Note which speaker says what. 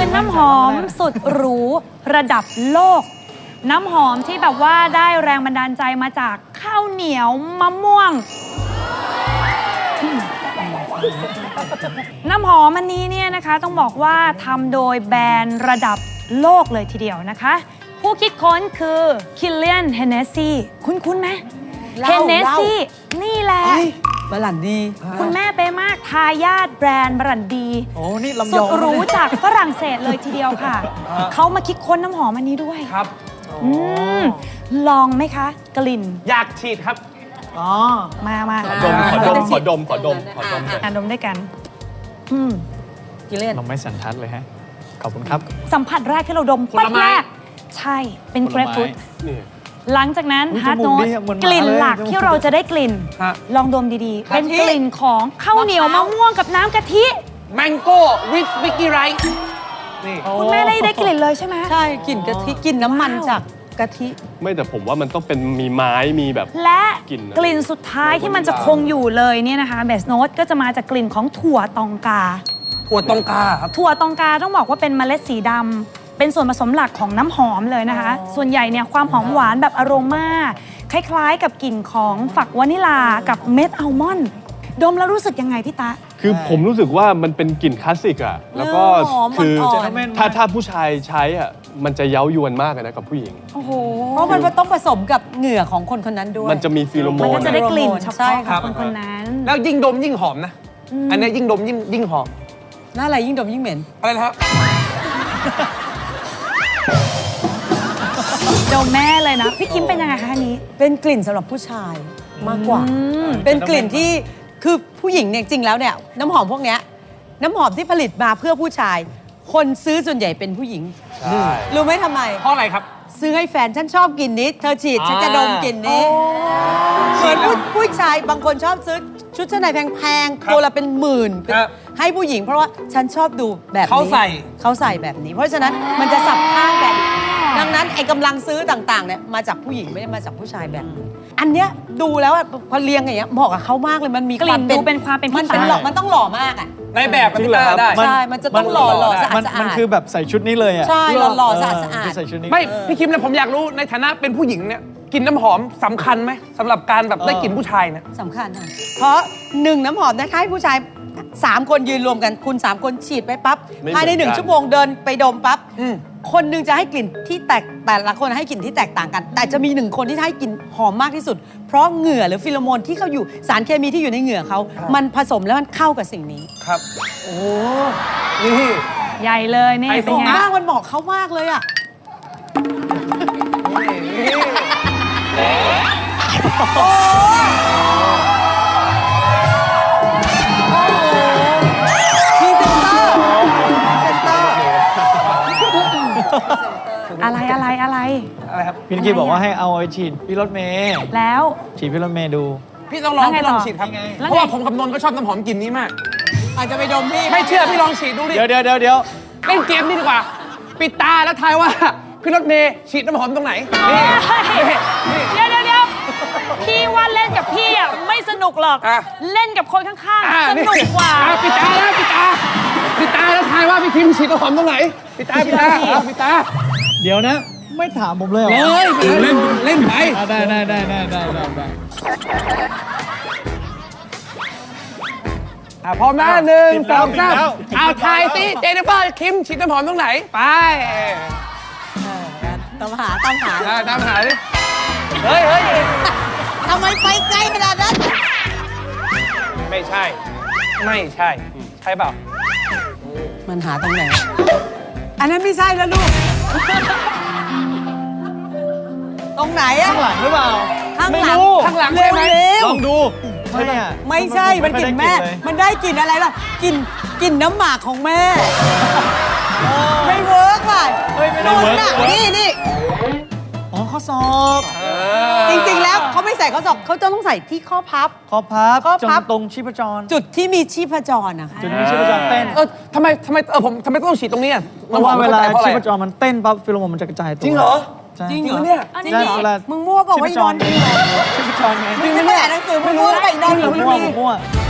Speaker 1: เป็นน้ำหอมสุดหรูระดับโลก น้ำหอมที่แบบว่าได้แรงบันดาลใจมาจากข้าวเหนียวมะม่วง น้ำหอมอันนี้เนี่ยนะคะต้องบอกว่าทำโดยแบรนด์ระดับโลกเลยทีเดียวนะคะ ผู้คิดค้นคือ Kilian Hennessy คุ้นไหม Hennessy นี่แหละ
Speaker 2: บรันดี
Speaker 1: คุณแม่เป๊ะมากทายาทแบรนด์บรันดี
Speaker 3: โอ้นี่ลำย
Speaker 1: สุ
Speaker 3: อ
Speaker 1: ด
Speaker 3: ง
Speaker 1: หรูจากฝรั่งเศสเลยทีเดียวค่ะ เขามาคิดค้นน้ำหอมอันนี้ด้วย
Speaker 4: ครับ
Speaker 1: ลองไหมคะ กลิ่น
Speaker 4: อยากฉีดครับ
Speaker 3: อ๋อ
Speaker 1: มา
Speaker 4: ขอดมเลย
Speaker 1: ดมด้วยกัน
Speaker 2: กิเลน
Speaker 3: เราไม่สันทัดเลยฮะ ขอบคุณครับ
Speaker 1: สัมผัสแรกที่เราดม
Speaker 4: ผลไม้
Speaker 1: แรกใช่เป็น
Speaker 3: ผ
Speaker 1: เก
Speaker 3: ล
Speaker 1: ร
Speaker 3: ไม้
Speaker 1: ปฟรุต
Speaker 4: นี่
Speaker 1: หลังจากนั้น
Speaker 3: อุ๊ย
Speaker 1: ฮาร์ด
Speaker 3: จ
Speaker 1: โน
Speaker 3: มูก
Speaker 1: ต
Speaker 3: ดีอะเหมือนหมา
Speaker 1: กลิ่น
Speaker 3: เลย
Speaker 1: หลัก
Speaker 3: จมูก
Speaker 1: ที่เราจะได้กลิ่น
Speaker 4: ฮะ
Speaker 1: ลองดมดีๆ เป็น
Speaker 2: กะทิ
Speaker 1: กลิ่นของข้าวเหนียวมะม่วงกับน้ำกะทิ
Speaker 4: แมงโก้วิสบิกกี้ไรซ์นี่
Speaker 1: คุณแม่ได้กลิ่นเลยใช่ไหม
Speaker 2: ใช่กลิ่นกะทิกลิ่นน้ำมัน
Speaker 1: ว้าว
Speaker 2: จากกะทิ
Speaker 5: ไม่แต่ผมว่ามันต้องเป็นมีไม้มีแบบ
Speaker 1: และ
Speaker 5: กลิ่นอะไร
Speaker 1: กลิ่นสุดท้ายที่มันจะคงอยู่เลยเนี่ยนะคะเบสโนตก็จะมาจากกลิ่นของถั่วตองกา
Speaker 4: ถั่วตองกาครับ
Speaker 1: ถั่วตองกาต้องบอกว่าเป็นเมล็ดสีดำเป็นส่วนผสมหลักของน้ำหอมเลยนะคะ ส่วนใหญ่เนี่ยความหอมหวานแบบอโรมาคล้ายๆ กับกลิ่นของฝักวานิลากับเม็ดอัลมอนด์ดมแล้วรู้สึกยังไงพี่ตะ
Speaker 5: คือผมรู้สึกว่ามันเป็นกลิ่นคลาสสิกอะแล้วก็
Speaker 2: หอม
Speaker 5: คือ
Speaker 2: อ่อน
Speaker 5: ถ้าผู้ชายใช้อะมันจะเย้ายวนมากเลยนะกับผู้หญิง
Speaker 1: โอ้โห
Speaker 2: เพราะมันต้องผสมกับเหงื่อของคนคนนั้นด้วย
Speaker 5: มันจะมีฟีโรโม
Speaker 1: มัน
Speaker 5: น
Speaker 1: ก็จะได้กลิ่นเฉ
Speaker 2: ใช่
Speaker 1: พาะ
Speaker 2: ค
Speaker 1: ข
Speaker 2: รั
Speaker 1: อบ งคนคนนั้น
Speaker 4: แล้วยิ่งดมยิ่งหอมนะ อันนี้ยิ่งดมยิ่งหอม
Speaker 2: หน้าอะไรยิ่งดมยิ่งเหม็น
Speaker 4: อะไรนะครับ
Speaker 1: ดมแม่เลยนะ พี่คิมเป็นยังไงคะอันนี้
Speaker 2: เป็นกลิ่นสำหรับผู้ชายมากกว่า เป็นกลิ่นที่คือผู้หญิงเนี่ยจริงแล้วเนี่ยน้ำหอมพวกเนี้ยน้ำหอมที่ผลิตมาเพื่อผู้ชาย คนซื้อส่วนใหญ่เป็นผู้หญิง
Speaker 5: ใช่
Speaker 2: รู้ไหมทำไม
Speaker 4: เพราะอะไรครับ
Speaker 2: ซื้อให้แฟนฉันชอบกลิ่นนี้ เธอฉีดฉันจะดมกลิ่นนี้เหมือนผู้ชายบางคนชอบซื้อชุดชั้นในแพง
Speaker 4: ครับ
Speaker 2: ๆตัวละเป็นหมื่น
Speaker 4: ครับ
Speaker 2: ให้ผู้หญิงเพราะว่าฉันชอบดูแบบนี้
Speaker 4: เขาใส่
Speaker 2: เขาใส่แบบนี้ เพราะฉะนั้นมันจะสับข้างแบบนี้ดังนั้นไอ้กำลังซื้อต่างๆเนี่ยมาจากผู้หญิงไม่ได้มาจากผู้ชายแบบนี้อันเนี้ยดูแล้วอะพอเรียงอย่างเงี้ยเหมาะกับเขามากเลยมันมี
Speaker 1: กลิ่นดูเป็นความเป็นพี่
Speaker 2: มันเป็น
Speaker 1: ตา
Speaker 2: หล่อมันต้องหล่อมากอะ
Speaker 4: ในแบบมัน
Speaker 3: จริงเหรอครับ
Speaker 4: ได้
Speaker 2: ใช่มันจะต้องหล่อสะอาด
Speaker 3: มัน
Speaker 2: สะอาด
Speaker 3: มันคือแบบใส่ชุดนี้เลยอ่ะ
Speaker 2: ใช่หล่อๆสะอาดสะอาด
Speaker 3: คือใส่ชุดนี้
Speaker 4: ไม่ พี่คิมเนี่ยผมอยากรู้ในฐานะเป็นผู้หญิงเนี่ยกลิ่นน้ำหอมสำคัญไหมสำหรับการแบบได้กลิ่นผู้ชายเนี่ย
Speaker 2: สำคัญค่ะเพราะหนึ่งน้ำหอมนะคะให้ผู้ชาย 3 คนยืนรวมกันคุณ 3 คนฉีดไปปั๊บ
Speaker 5: ไม่
Speaker 2: ภายใน
Speaker 5: เหมือนกัน
Speaker 2: 1 ชั่วโมงเดินไปดมปั๊บ
Speaker 4: อืม
Speaker 2: คนหนึงจะให้กลิ่นที่แต่ละคนให้กลิ่นที่แตกต่างกัน แต่จะมี1 คนที่ให้กลิ่นหอมมากที่สุด เพราะเหงื่อหรือฟิโลโมนที่เขาอยู่สารเคมีที่อยู่ในเหงื่อเขามันผสมแล้วมันเข้ากับสิ่งนี้
Speaker 4: ครับ โอ้นี่
Speaker 1: ใหญ่เลยนี่
Speaker 4: ไฮโซ
Speaker 1: เป็นไง
Speaker 2: มากมันบอกเขามากเลยอ่ะพรีเซนเตอร์
Speaker 1: อะไร
Speaker 4: อะไรครับ
Speaker 3: พี่นิกกี้บอกว่าให้เอาไอ้ฉีดพี่รถเมย์
Speaker 1: แล้ว
Speaker 3: ฉีดพี่รถเมย์ดู
Speaker 4: พี่ต้องลอง
Speaker 1: แล้วไง
Speaker 4: พี่ลอง
Speaker 1: ต่อ
Speaker 4: ฉีดครับ
Speaker 1: แล้วไง
Speaker 4: เพราะว่าผมกับนนท์ก็ชอบน้ำหอมกลิ่นนี้มาก
Speaker 2: อาจจะไปดมพี่
Speaker 4: ไม่เชื่อพี่ลองฉีดดูดิ
Speaker 3: เดี๋ยว
Speaker 4: เล่นเกมนี่ดีกว่า ปิดตาแล้วทายว่า พี่รถเมย์ฉีดน้ำหอมตรงไหน นี่นี่
Speaker 1: เดี๋ยวพี่ว่าเล่นกับพี่อ่ะไม่สนุกหรอก
Speaker 4: อ่ะ
Speaker 1: เล่นกับคนข้างๆ สนุกกว่า
Speaker 4: ปิดตาแล้วทายว่าพี่คิมฉีดน้ำหอมตรงไหน ปิดตาปิดตา
Speaker 3: เดี๋ยวนะ ไม่ถามผมเลยเหรอ
Speaker 4: เล่นไป
Speaker 3: อ่ะได้
Speaker 4: พร้อมนะ1 2
Speaker 3: ปิดแล้ว
Speaker 4: 3เอาทายสิเจนนิเฟอร์คิมฉีดน้ำหอมตรงไหน ไป
Speaker 2: ตามหา
Speaker 4: ตามหาดิเฮ้ย
Speaker 2: ทำไมไปไกลขนาดนั้น
Speaker 4: ไม่ใช่ ใช่เปล่า
Speaker 2: มันหาตรงไหน อันนั้นไม่ใช่แล้วลูก ตรงไหนอะ
Speaker 3: ข้างหลังหรือเปล่า
Speaker 2: ข้าง
Speaker 3: ไม่
Speaker 2: หลัง
Speaker 3: รู้
Speaker 4: ข้างหลังใช่ไหม
Speaker 2: เร็ว
Speaker 3: ลองดูไม่อะ
Speaker 2: ไม่ใช่ มันกลิ่นแม่
Speaker 3: เลย
Speaker 2: มันได้กลิ่นอะไรล่ะกลิ่นน้ำหมากของแม่ ไม่เวิร์กว่ะ
Speaker 3: เฮ้ยไม่ได้
Speaker 2: นน
Speaker 3: เวิร์
Speaker 2: ท์
Speaker 3: ก
Speaker 2: น่ะ
Speaker 3: เวิร์ก
Speaker 2: นี่
Speaker 3: อ๋อข้อศอก
Speaker 2: จริง ๆ แล้วเขาไม่ใส่ข้อศอกเขาจะต้องใส่ที่ข้อพับ
Speaker 3: ข้อพับ
Speaker 2: ข้อพับ
Speaker 3: ตรงชีพจร
Speaker 2: จุดที่มีชีพจรนะคะ
Speaker 3: จุดนี้ชีพจรเต้น
Speaker 4: ทำไมผมทำไมต้องฉีดตรงนี้อ่ะ
Speaker 3: เพราะว่าเวลา
Speaker 4: เพราะอะไร
Speaker 3: ชีพจรมันเต้นปั๊บฟิโลโมนมันจะกระจายตัว
Speaker 4: จริงเหรอ
Speaker 3: ใช่
Speaker 4: จริงเหรอเนี่ย
Speaker 2: จริง
Speaker 3: ใช่
Speaker 2: เหรอ
Speaker 3: เวลา
Speaker 2: มึงมั่วเปล่า
Speaker 3: ชี
Speaker 2: ว่า
Speaker 3: พ
Speaker 2: อี
Speaker 3: จ
Speaker 2: นอ
Speaker 3: ร
Speaker 2: นจริงเหรอ
Speaker 3: ชีพจรไง
Speaker 2: มึงไม่ได้อ่านหนังสือมึงมั่วไปอีนอน
Speaker 3: มั่ว